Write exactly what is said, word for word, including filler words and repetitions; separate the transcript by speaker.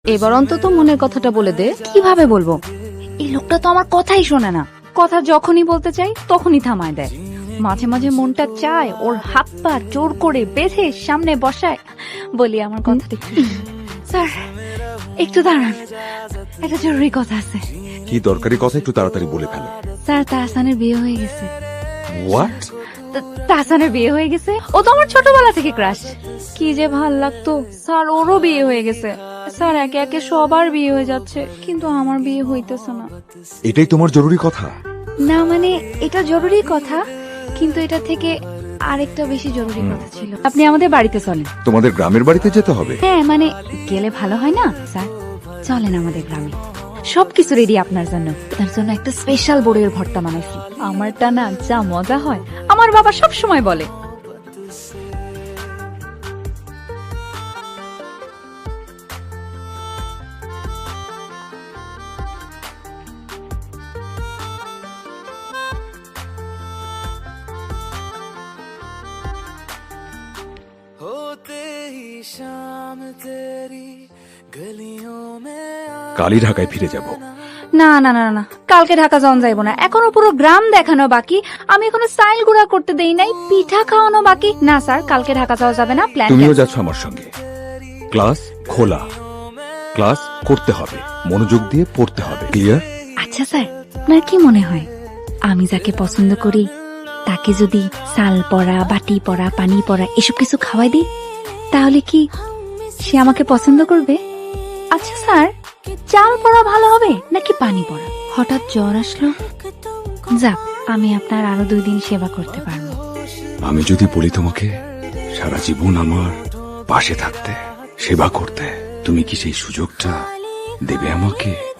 Speaker 1: এবার অন্তত মনের কথাটা বলে দে। কিভাবে বলবো? এই লোকটা তো আমার কথাই শোনে না। কথা যখনই বলতে চাই তখনই থামায় দেয়। মাঝে মাঝে মনটা চায় ওর হাত পা জোর করে বেঁধে সামনে বসায় বলি আমার কথাটি। স্যার একটু দাঁড়ান, একটা জরুরি কথা আছে।
Speaker 2: কি দরকারি কথা একটু তাড়াতাড়ি বলে ফেলো।
Speaker 1: স্যার তাহসানের বিয়ে হয়ে গেছে।
Speaker 2: হোয়াট?
Speaker 1: তাহসানের বিয়ে হয়ে গেছে? ও তো আমার ছোটবেলা থেকে ক্রাশ। কি যে ভাল লাগতো। স্যার ওরও বিয়ে হয়ে গেছে। স্যার একে একে সবার বিয়ে হয়ে যাচ্ছে, কিন্তু আমার বিয়ে হইতেছে না।
Speaker 2: এটাই তোমার জরুরি কথা?
Speaker 1: না মানে এটা জরুরি কথা, কিন্তু এটা থেকে আরেকটা বেশি জরুরি কথা ছিল। আপনি আমাদের বাড়িতে চলেন।
Speaker 2: তোমাদের গ্রামের বাড়িতে যেতে হবে?
Speaker 1: হ্যাঁ মানে গেলে ভালো হয় না স্যার? চলেন আমাদের গ্রামে। সবকিছু রেডি আপনার জন্য। তার জন্য একটা স্পেশাল বড়ের ভর্তা বানাইছি। আমারটা না যা মজা হয়, আমার বাবা সব সময় বলে।
Speaker 2: কালই ঢাকায় ফিরে যাব।
Speaker 1: না না না না, কালকে ঢাকা যাওয়া যাইবো না। এখনো পুরো গ্রাম দেখানো বাকি। আমি এখনো স্টাইল গুড়া করতে দেই নাই, পিঠা খাওয়ানো বাকি। না স্যার, কালকে ঢাকা যাওয়া যাবে না। প্ল্যান।
Speaker 2: তুমিও যাচ্ছ আমার সঙ্গে। ক্লাস খোলা, ক্লাস করতে হবে, মনোযোগ দিয়ে পড়তে হবে। ক্লিয়ার?
Speaker 1: আচ্ছা স্যার, আপনার কি মনে হয় আমি যাকে পছন্দ করি তাকে যদি সাল পড়া, বাটি পড়া, পানি পড়া এসব কিছু খাওয়াই দিই, তাহলে কি সে আমাকে পছন্দ করবে? আচ্ছা স্যার, চাল পড়া ভালো হবে নাকি পানি পড়া? হঠাৎ জ্বর আসলো, যাক আমি আপনার আরো দুই দিন সেবা করতে পারবো।
Speaker 2: আমি যদি বলি তোমাকে সারা জীবন আমার পাশে থাকতে, সেবা করতে, তুমি কি সেই সুযোগটা দেবে আমাকে?